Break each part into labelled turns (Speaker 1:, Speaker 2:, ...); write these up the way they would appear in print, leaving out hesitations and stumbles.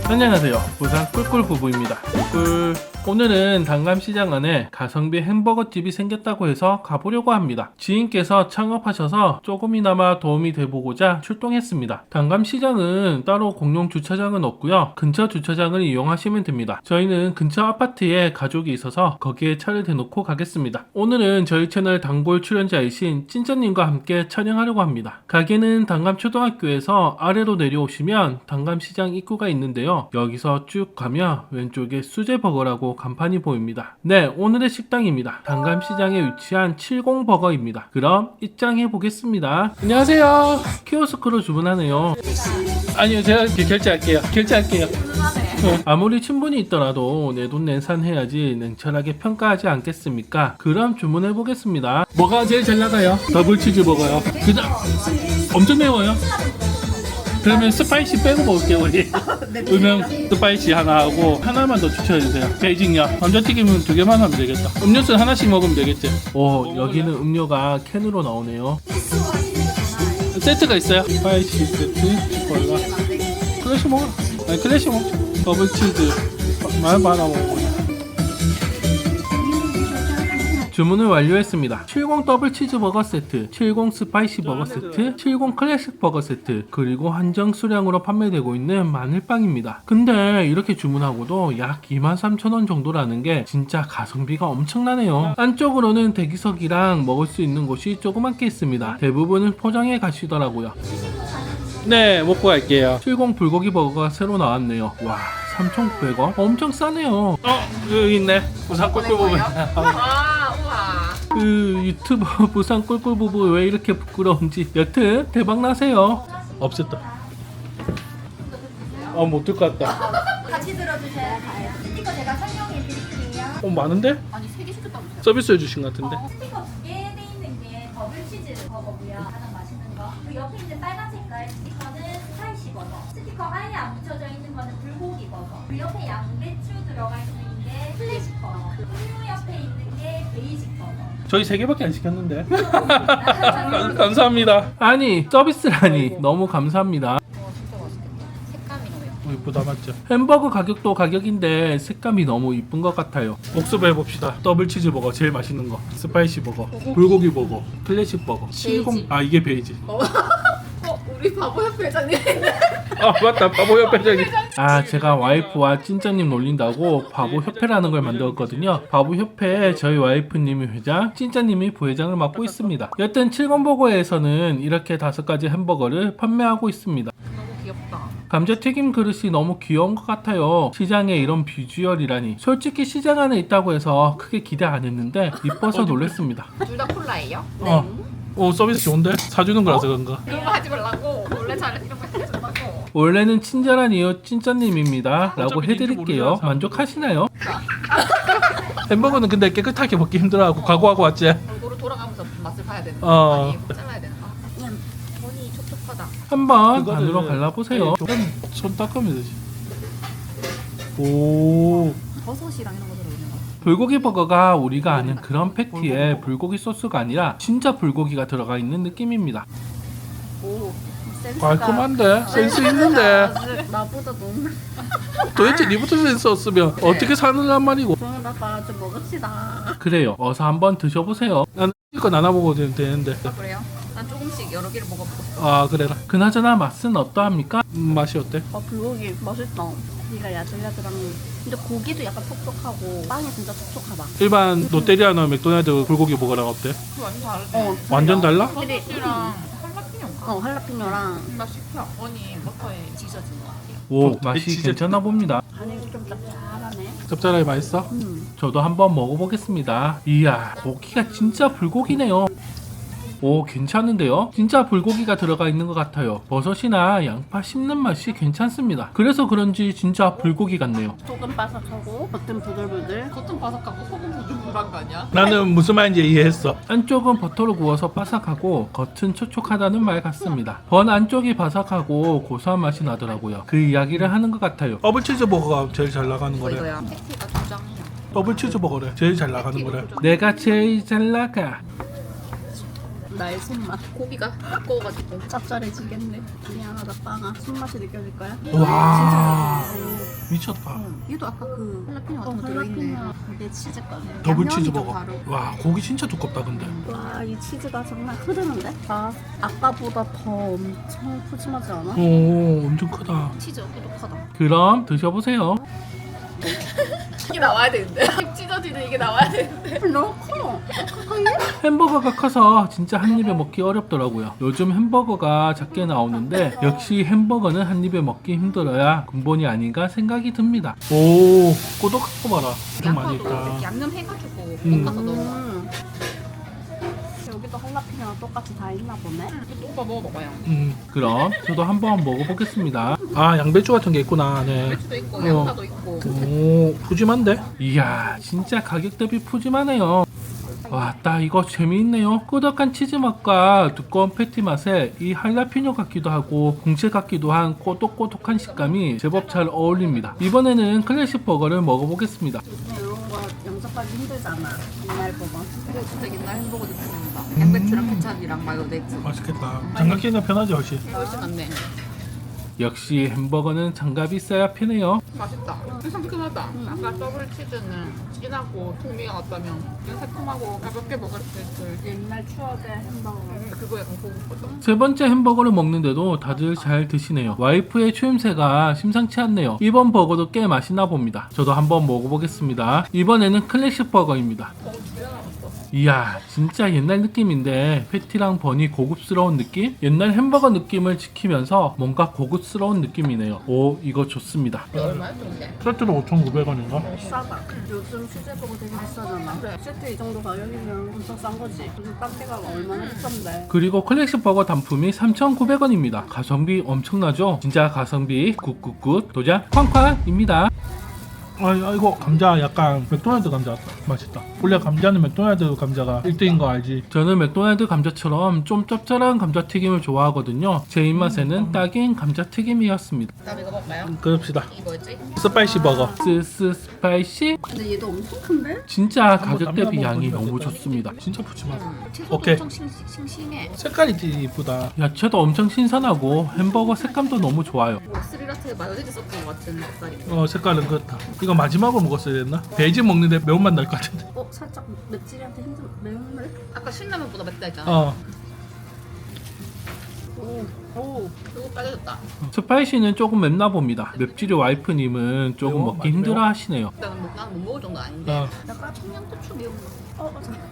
Speaker 1: 안녕하세요. 부산 꿀꿀 부부입니다. 꿀꿀. 오늘은 단감시장 안에 가성비 햄버거집이 생겼다고 해서 가보려고 합니다. 지인께서 창업하셔서 조금이나마 도움이 돼보고자 출동했습니다. 단감시장은 따로 공용 주차장은 없고요. 근처 주차장을 이용하시면 됩니다. 저희는 근처 아파트에 가족이 있어서 거기에 차를 대놓고 가겠습니다. 오늘은 저희 채널 단골 출연자이신 찐짜님과 함께 촬영하려고 합니다. 가게는 단감초등학교에서 아래로 내려오시면 단감시장 입구가 있는데요. 여기서 쭉 가면 왼쪽에 수제버거라고 간판이 보입니다. 네, 오늘의 식당입니다. 단감시장에 위치한 70버거입니다. 그럼 입장해 보겠습니다. 안녕하세요. 키오스크로 주문하네요. 아니요, 제가 결제할게요. 아무리 친분이 있더라도 내 돈 내산해야지 냉철하게 평가하지 않겠습니까? 그럼 주문해 보겠습니다. 뭐가 제일 잘 나가요? 더블 치즈버거요. 그냥 엄청 매워요. 그러면 스파이시 빼고 먹을게요. 우리 음영 스파이시 하나 하고 하나만 더 추천해주세요. 베이징요. 감자튀김은 2개만 하면 되겠다. 음료수 하나씩 먹으면 되겠지. 오, 여기는 음료가 캔으로 나오네요. 세트가 있어요. 스파이시 세트, 치콜라. 클래식 먹어. 아니 클래식 먹어. 더블 치즈 많이 먹어. 주문을 완료했습니다. 70 더블 치즈버거 세트, 70 스파이시 버거 세트, 70 클래식 버거 세트, 그리고 한정 수량으로 판매되고 있는 마늘빵입니다. 근데 이렇게 주문하고도 약 23,000원 정도라는 게 진짜 가성비가 엄청나네요. 안쪽으로는 대기석이랑 먹을 수 있는 곳이 조그맣게 있습니다. 대부분은 포장해 가시더라고요. 네, 먹고 갈게요. 70 불고기 버거가 새로 나왔네요. 와, 3,900원? 엄청 싸네요. 여기 있네. 부산 꿀꿀 부부. 그 유튜버 부산 꿀꿀 부부 왜 이렇게 부끄러운지. 여튼 대박 나세요. 없었다. 못 들 것 같다.
Speaker 2: 같이 들어주셔야 돼요. 스티커 제가 설명해 드릴게요.
Speaker 1: 많은데?
Speaker 2: 아니 3개 시켰다고.
Speaker 1: 서비스 해주신 것 같은데.
Speaker 2: 스티커 2개 돼 있는 게 더블 치즈 버거고요. 가장 맛있는 거. 그 옆에 있는 빨간 색깔 스티커는 스파이시 버거. 스티커 아예 안 붙여져 있는 거는 불고기 버거. 그 옆에 양배추 들어가 있는 게 클래식 버거. 음료 옆에 있는 게 베이직 버거.
Speaker 1: 저희 3개밖에 안 시켰는데. 감사합니다. 아니 서비스라니 너무 감사합니다.
Speaker 2: 진짜 맛있겠다. 색감이 너무 예뻐.
Speaker 1: 이쁘다 맞죠? 햄버거 가격도 가격인데 색감이 너무 이쁜 것 같아요. 복습 해봅시다. 더블 치즈버거 제일 맛있는 거, 스파이시 버거, 불고기 버거, 클래식 버거, 70. 아 이게 베이지.
Speaker 2: 우리 바보 협회 회장님.
Speaker 1: 맞다, 바보 협회장님. 제가 와이프와 찐짜님 놀린다고 바보 협회라는 걸 만들었거든요. 바보 협회에 저희 와이프님이 회장, 찐짜님이 부회장을 맡고 있습니다. 여튼 70버거에서는 이렇게 5가지 햄버거를 판매하고 있습니다.
Speaker 2: 너무 귀엽다.
Speaker 1: 감자튀김 그릇이 너무 귀여운 것 같아요. 시장에 이런 비주얼이라니. 솔직히 시장 안에 있다고 해서 크게 기대 안 했는데 이뻐서 놀랐습니다.
Speaker 2: 둘 다 콜라예요?
Speaker 1: 서비스 좋은데? 사주는 거라서 그런가?
Speaker 2: 그런 거 하지 말라고. 원래 잘해 이런 거 해준다고.
Speaker 1: 원래는 친절한 이웃 찐짜님입니다 라고 해드릴게요. 만족하시나요? 햄버거는 근데 깨끗하게 먹기 힘들어하고 각오하고 왔지?
Speaker 2: 골고루 돌아가면서 맛을 봐야 되는
Speaker 1: 어.
Speaker 2: 많이 잘라야 되는 거. 그냥 손이 촉촉하다.
Speaker 1: 한번 반으로 갈라보세요. 손 닦으면 되지. 오,
Speaker 2: 버섯이랑 이런 거 들어있는 거.
Speaker 1: 불고기 버거가 우리가 아는 그런 패티에 불고기 소스가 아니라 진짜 불고기가 들어가 있는 느낌입니다.
Speaker 2: 오, 센스가.
Speaker 1: 깔끔한데? 센스 있는데?
Speaker 2: 나보다 너무.
Speaker 1: 도대체 니부터 센스 없으면 어떻게 사느란 말이고.
Speaker 2: 그러면 아빠 좀 먹읍시다.
Speaker 1: 그래요, 어서 한번 드셔보세요. 나는 이거 나눠 먹어도 되는데.
Speaker 2: 그래요? 난 조금씩 여러 개를 먹어보고.
Speaker 1: 그래라. 그나저나 맛은 어떠합니까? 맛이 어때?
Speaker 2: 불고기 맛있다. 고기가 야들야들한. 근데 고기도 약간 촉촉하고 빵이 진짜 촉촉하다.
Speaker 1: 일반 롯데리아나 맥도날드 불고기 버거랑 어때?
Speaker 3: 완전 다르네.
Speaker 1: 완전 달라?
Speaker 2: 확실히
Speaker 3: 소스랑 할라피뇨인가?
Speaker 2: 할라피뇨랑
Speaker 3: 나 시켜. 언니 버터에
Speaker 2: 지져진 것 같아요.
Speaker 1: 오, 맛이 괜찮아 봅니다.
Speaker 2: 간이 좀 짭짤하네.
Speaker 1: 짭짤하게 맛있어? 저도 한번 먹어보겠습니다. 이야, 고기가 진짜 불고기네요. 오, 괜찮은데요? 진짜 불고기가 들어가 있는 것 같아요. 버섯이나 양파 씹는 맛이 괜찮습니다. 그래서 그런지 진짜 불고기 같네요.
Speaker 2: 속은 바삭하고 겉은 부들부들.
Speaker 3: 겉은 바삭하고 속은 부들부들한 거 아니야?
Speaker 1: 나는 무슨 말인지 이해했어. 안쪽은 버터로 구워서 바삭하고 겉은 촉촉하다는 말 같습니다. 번 안쪽이 바삭하고 고소한 맛이 나더라고요. 그 이야기를 하는 것 같아요. 더블 치즈버거가 제일 잘 나가는 거래.
Speaker 2: 이거야.
Speaker 3: 패티가 2장이야.
Speaker 1: 더블 치즈버거래. 제일 잘 나가는 거래. 내가 제일 잘 나가.
Speaker 4: 나의 손맛.
Speaker 3: 고기가 두꺼워가지고.
Speaker 4: 짭짤해지겠네. 미안하다 빵아. 손맛이 느껴질 거야?
Speaker 1: 와 미쳤다.
Speaker 3: 얘도 아까 그 할라피뇨 같은 거 들어있네.
Speaker 4: 할라피뇨 이게 치즈거든.
Speaker 1: 더블
Speaker 3: 양념이
Speaker 1: 치즈
Speaker 3: 좀
Speaker 1: 버거.
Speaker 3: 다르고.
Speaker 1: 와 고기 진짜 두껍다 근데.
Speaker 4: 와, 이 치즈가 정말 흐르는데? 아, 아까보다 더 엄청 푸짐하지 않아?
Speaker 1: 오 엄청 크다.
Speaker 3: 치즈 꾸덕하다.
Speaker 1: 그럼 드셔보세요.
Speaker 3: 이게 나와야 되는데. 입 찢어지는 이게 나와야 되는데.
Speaker 4: 너무 커.
Speaker 1: 햄버거가 커서 진짜 한 입에 먹기 어렵더라고요. 요즘 햄버거가 작게 나오는데 역시 햄버거는 한 입에 먹기 힘들어야 근본이 아닌가 생각이 듭니다. 오 꼬독한 거 봐라. 좀 많이
Speaker 3: 양파도 이렇게
Speaker 1: 있다.
Speaker 3: 양념 해가지고
Speaker 1: 음.
Speaker 3: 볶아서 넣어.
Speaker 4: 여기도 할라피뇨랑 똑같이 다 있나 보네.
Speaker 3: 이것도 오빠 먹어봐요.
Speaker 1: 그럼 저도 한번 먹어보겠습니다. 아 양배추 같은 게 있구나. 네.
Speaker 3: 배추도 있고
Speaker 1: 어.
Speaker 3: 양파도 있고.
Speaker 1: 오 푸짐한데? 이야 진짜 가격 대비 푸짐하네요. 와, 딱 이거 재미있네요. 꾸덕한 치즈 맛과 두꺼운 패티 맛에 이 할라피뇨 같기도 하고 공채 같기도 한 꼬독꼬독한 식감이 제법 잘 어울립니다. 이번에는 클래식 버거를 먹어보겠습니다.
Speaker 4: 이런 거 영접하기 힘들잖아. 옛날 버거.
Speaker 3: 이거 진짜 옛날 햄버거 느낌입니다. 양배추랑 케찹이랑 마요네즈.
Speaker 1: 맛있겠다. 장갑 끼는 편하지 훨씬.
Speaker 3: 훨씬 낫네.
Speaker 1: 역시 햄버거는 장갑이 있어야 편해요.
Speaker 3: 맛있다. 상큼하다. 아까 더블 치즈는 진하고 풍미가 같다면 그냥 새콤하고 가볍게 먹을 수 있을.
Speaker 4: 옛날 추억의 햄버거.
Speaker 3: 그거 약간 고급거든.
Speaker 1: 세 번째 햄버거를 먹는데도 다들 잘 드시네요. 와이프의 추임새가 심상치 않네요. 이번 버거도 꽤 맛있나 봅니다. 저도 한번 먹어보겠습니다. 이번에는 클래식 버거입니다. 이야 진짜 옛날 느낌인데 패티랑 버니 고급스러운 느낌? 옛날 햄버거 느낌을 지키면서 뭔가 고급스러운 느낌이네요. 오 이거 좋습니다.
Speaker 3: 얼마였어 근데?
Speaker 1: 세트로 5,900원인가?
Speaker 4: 싸다. 요즘 수제버거 되게 비싸잖아.
Speaker 3: 그래.
Speaker 4: 세트 이 정도 가격이면 엄청 싼 거지. 요즘 딴데가 얼마나 비싼데.
Speaker 1: 그리고 클래식 버거 단품이 3,900원입니다. 가성비 엄청나죠? 진짜 가성비 굿굿굿 도전 쾅쾅입니다. 이거 감자 약간 맥도날드 감자 같다. 맛있다. 원래 감자는 맥도날드 감자가 1등인 거 알지? 저는 맥도날드 감자처럼 좀 짭짤한 감자튀김을 좋아하거든요. 제 입맛에는 딱인 감자튀김이었습니다.
Speaker 3: 다음 이거 먹을까요?
Speaker 1: 그럽시다.
Speaker 3: 이 뭐였지?
Speaker 1: 스파이시 버거. 스파이시?
Speaker 4: 근데 얘도 엄청 큰데?
Speaker 1: 진짜 가격 한번 대비 양이 보니까 너무 어떨까? 좋습니다. 진짜 푸짐하다.
Speaker 3: 채소도
Speaker 1: 오케이.
Speaker 3: 엄청 싱싱해.
Speaker 1: 색깔이 이쁘다. 야채도 엄청 신선하고 햄버거 색감도 너무 좋아요.
Speaker 3: 뭐 스리라트에 마요네즈 섞은 것 같은 색깔이.
Speaker 1: 색깔은 그렇다. 이거 마지막으로 먹었어야 됐나? 베이직 먹는데 매운맛 날 것 같은데.
Speaker 4: 살짝 맵찔이한테 힘들 매운데?
Speaker 3: 아까 신라면보다 맵다 했잖아.
Speaker 4: 오.
Speaker 3: 이거 빨개졌다.
Speaker 1: 스파이시는 조금 맵나 봅니다. 맵찔이 와이프님은 조금
Speaker 5: 매워?
Speaker 1: 먹기
Speaker 5: 많이
Speaker 1: 힘들어
Speaker 5: 매워?
Speaker 1: 하시네요.
Speaker 3: 나는 못 먹을 정도 아닌데.
Speaker 4: 약간 청양고추 매운 거.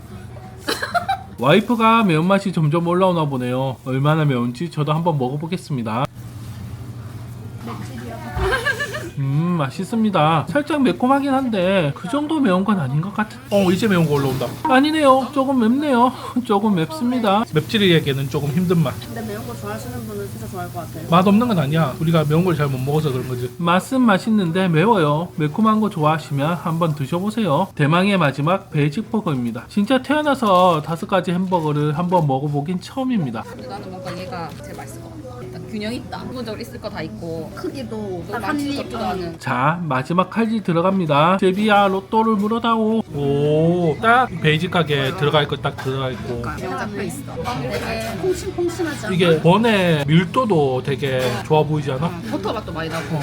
Speaker 1: 와이프가 매운맛이 점점 올라오나 보네요. 얼마나 매운지 저도 한번 먹어보겠습니다. 맛있습니다. 살짝 매콤하긴 한데 그 정도 매운 건 아닌 것 같은.
Speaker 5: 이제 매운 거 올라온다.
Speaker 1: 아니네요. 조금 맵네요. 조금 맵습니다.
Speaker 5: 맵찔이에게는 조금 힘든 맛.
Speaker 4: 근데 매운 거 좋아하시는 분은 진짜 좋아할 것 같아요.
Speaker 5: 맛 없는 건 아니야. 우리가 매운 걸 잘 못 먹어서 그런 거지.
Speaker 1: 맛은 맛있는데 매워요. 매콤한 거 좋아하시면 한번 드셔보세요. 대망의 마지막 베이직 버거입니다. 진짜 태어나서 5가지 햄버거를 한번 먹어보긴 처음입니다.
Speaker 3: 근데 나는 뭔가 얘가 제일 맛있을 것 같아. 일단 균형 있다. 기본적으로 있을 거 다 있고.
Speaker 4: 크기도
Speaker 3: 너무
Speaker 4: 딱 한
Speaker 3: 많지
Speaker 4: 입.
Speaker 3: 같지도 않은.
Speaker 1: 자 마지막 칼질 들어갑니다. 제비야 로또를 물어다오.
Speaker 5: 오, 딱 베이직 가게 들어갈 거 딱 들어가 있고.
Speaker 3: 명 잡혀 있어.
Speaker 4: 되게 퐁신퐁신하지 않아?
Speaker 5: 이게 번의 밀도도 되게 좋아 보이지 않아?
Speaker 3: 버터 맛도 많이 나고.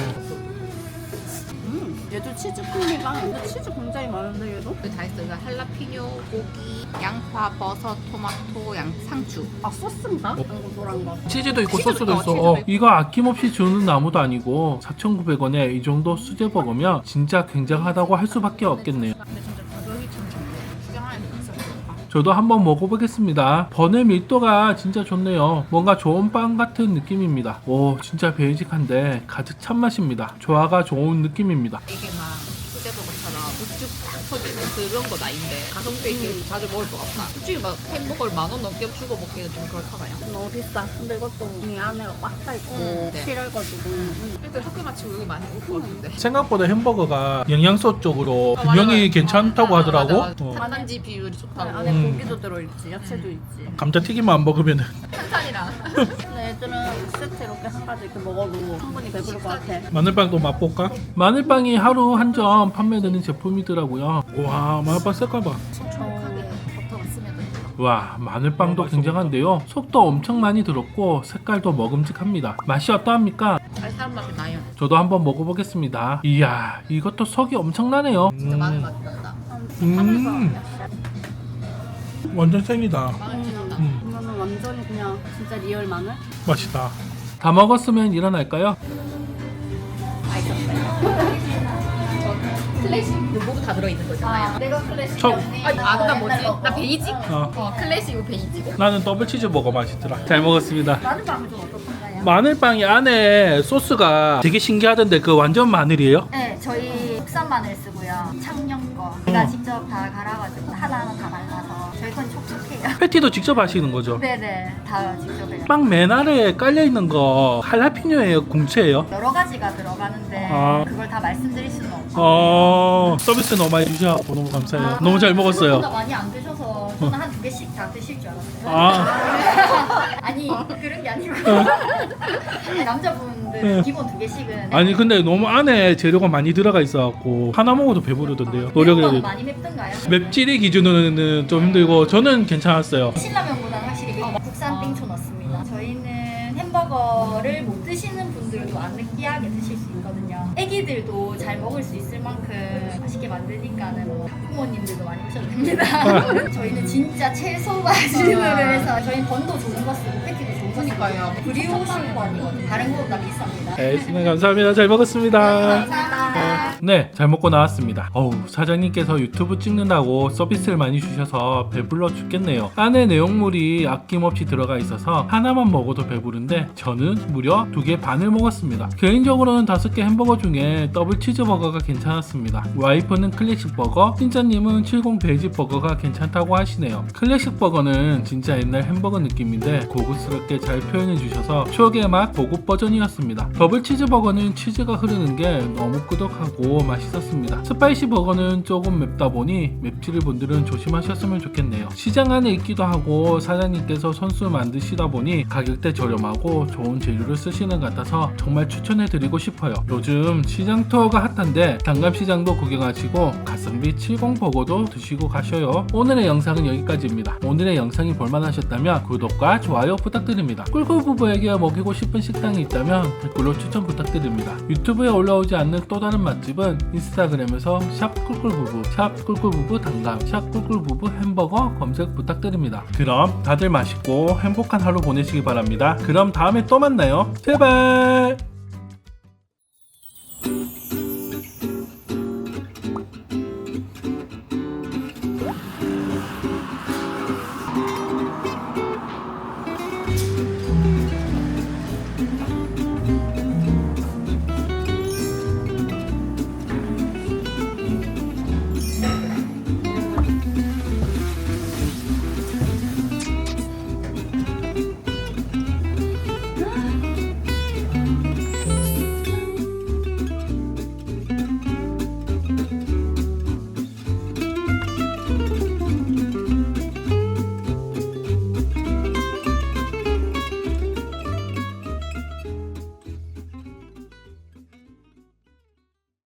Speaker 4: 얘도 치즈 풍미가 근데 치즈 굉장히 많은데 얘도?
Speaker 3: 여기 다 있어. 이거 할라피뇨, 고기, 양파, 버섯, 토마토, 상추.
Speaker 4: 아 소스인가? 노란 거.
Speaker 5: 치즈도 있고
Speaker 3: 치즈도
Speaker 5: 소스도
Speaker 3: 있다,
Speaker 5: 있어.
Speaker 3: 치즈도 있고.
Speaker 1: 이거 아낌없이 주는 나무도 아니고 4,900원에 이 정도 수제 버거면 진짜 굉장하다고 할 수밖에 없겠네요.
Speaker 3: 근데 진짜 가격이 참 좋네. 시장 안에 있어.
Speaker 1: 저도 한번 먹어보겠습니다. 번의 밀도가 진짜 좋네요. 뭔가 좋은 빵 같은 느낌입니다. 오 진짜 베이직한데 가득 찬 맛입니다. 조화가 좋은 느낌입니다.
Speaker 3: 이게 막 수제버거처럼 육즙 딱 터지는 그런 건 아닌데 가성비 있게 자주 먹을 것 같다. 솔직히 막 햄버거를 10,000원 넘게 주고 먹기는 좀 그렇잖아요.
Speaker 4: 너무 비싸. 근데 이것도 이 안에가 꽉 차 있고
Speaker 3: 네.
Speaker 4: 실해가지고.
Speaker 3: 일단 학교 마치고 여기 많이 올 것 같은데.
Speaker 5: 생각보다 햄버거가 영양소 쪽으로
Speaker 3: 맞아,
Speaker 5: 균형이
Speaker 3: 맞아.
Speaker 5: 괜찮다고 하더라고.
Speaker 3: 맞아, 맞아. 탄단지 비율이 좋다고.
Speaker 4: 안에
Speaker 5: 음.
Speaker 4: 고기도 들어있지, 야채도 있지.
Speaker 5: 감자튀김만 안 먹으면
Speaker 3: 탄산이랑.
Speaker 4: 근데 애들은 세트 이렇게 한 가지 이렇게 먹어도 충분히 배부를 것 같아.
Speaker 5: 마늘빵도 맛볼까?
Speaker 1: 마늘빵이 하루 한 점 판매되는 제품이더라고요.
Speaker 5: 와, 마늘빵 색깔 봐.
Speaker 3: 촉촉하게 버터가 스며들고.
Speaker 1: 와, 마늘빵도 굉장한데요. 속도 엄청 많이 들었고 색깔도 먹음직합니다. 맛이 어떠합니까?
Speaker 3: 쌀쌀한 맛이 나요.
Speaker 1: 저도 한번 먹어보겠습니다. 이야, 이것도 속이 엄청나네요.
Speaker 3: 진짜 마늘 맛이 난다.
Speaker 5: 완전 생이다.
Speaker 3: 마늘 진짜 난다.
Speaker 4: 이거는 완전히 그냥 진짜 리얼 마늘?
Speaker 5: 맛있다.
Speaker 1: 다 먹었으면 일어날까요?
Speaker 3: 클래식 요거도 다 들어있는 거잖아요.
Speaker 2: 내가 클래식.
Speaker 1: 첫
Speaker 3: 나 뭐지? 나 베이직?
Speaker 1: 어.
Speaker 3: 클래식 베이직.
Speaker 1: 나는 더블 치즈버거 맛있더라. 잘 먹었습니다.
Speaker 2: 마늘빵은 좀 어떻던가요?
Speaker 1: 마늘빵이 안에 소스가 되게 신기하던데 그 완전 마늘이에요?
Speaker 2: 네, 저희 국산 마늘 쓰고요. 창녕 거. 제가 직접 다 갈아가지고 하나하나 다 말라서 저희 건 촉촉해요.
Speaker 1: 패티도 직접 하시는 거죠?
Speaker 2: 네네, 다 직접 해요.
Speaker 1: 빵 맨 아래에 깔려있는 거 할라피뇨예요? 궁채예요?
Speaker 2: 여러 가지가 들어가는데
Speaker 1: 아.
Speaker 2: 그걸 다 말씀드릴 수는 없고.
Speaker 1: 서비스 너무 많이 주셔서 너무 감사해요. 너무 잘
Speaker 2: 생각보다
Speaker 1: 먹었어요.
Speaker 2: 많이 안 드셔서 저는 한 2개씩 다 드실 줄 알았어요.
Speaker 1: 아,
Speaker 2: 아니 그런 게 아니고 남자분들
Speaker 1: 네.
Speaker 2: 기본 2개씩은
Speaker 1: 아니 근데 너무 안에 재료가 많이 들어가 있어갖고 하나 먹어도 배부르던데요. 노력을 해야 돼.
Speaker 2: 많이 맵던가요?
Speaker 1: 맵찔이 기준으로는 좀 힘들고 저는 괜찮았어요.
Speaker 2: 신라면보다는 확실히 국산 땡초 넣습니다. 저희는 햄버거를 못 드시는 분들도 안 느끼하게 드실 수 있거든요. 애기들도 잘 먹을 수 있을 만큼 맛있게 만드니까는 뭐 부모님들도 많이 오셔도 됩니다. 저희는 진짜 최소 마진으로 해서 저희는 번도 좋은 거 쓰고 패티도 좋은 거 쓰고
Speaker 3: 그러니까요.
Speaker 2: 브리오시 번이거든요. 다른 거보다 비쌉니다.
Speaker 1: 네, 감사합니다. 잘 먹었습니다.
Speaker 2: 감사합니다.
Speaker 1: 네, 잘 먹고 나왔습니다. 사장님께서 유튜브 찍는다고 서비스를 많이 주셔서 배불러 죽겠네요. 안에 내용물이 아낌없이 들어가 있어서 하나만 먹어도 배부른데 저는 무려 2개 반을 먹었습니다. 개인적으로는 5개 햄버거 중에 더블 치즈버거가 괜찮았습니다. 와이프는 클래식 버거, 찐짜님은 70 베이지 버거가 괜찮다고 하시네요. 클래식 버거는 진짜 옛날 햄버거 느낌인데 고급스럽게 잘 표현해 주셔서 추억의 맛 고급 버전이었습니다. 더블 치즈버거는 치즈가 흐르는 게 너무 끄덕하고 맛있었습니다. 스파이시 버거는 조금 맵다 보니 맵찔 분들은 조심하셨으면 좋겠네요. 시장 안에 있기도 하고 사장님께서 손수 만드시다 보니 가격대 저렴하고 좋은 재료를 쓰시는 것 같아서 정말 추천해 드리고 싶어요. 요즘 시장 투어가 핫한데 단감시장도 구경하시고 가성비 70 버거도 드시고 가셔요. 오늘의 영상은 여기까지입니다. 오늘의 영상이 볼만하셨다면 구독과 좋아요 부탁드립니다. 꿀꿀 부부에게 먹이고 싶은 식당이 있다면 댓글로 추천 부탁드립니다. 유튜브에 올라오지 않는 또 다른 맛집은 인스타그램에서 샵 꿀꿀부부, 샵 꿀꿀부부 단감, 샵 꿀꿀부부 햄버거 검색 부탁드립니다. 그럼 다들 맛있고 행복한 하루 보내시기 바랍니다. 그럼 다음에 또 만나요. 제발.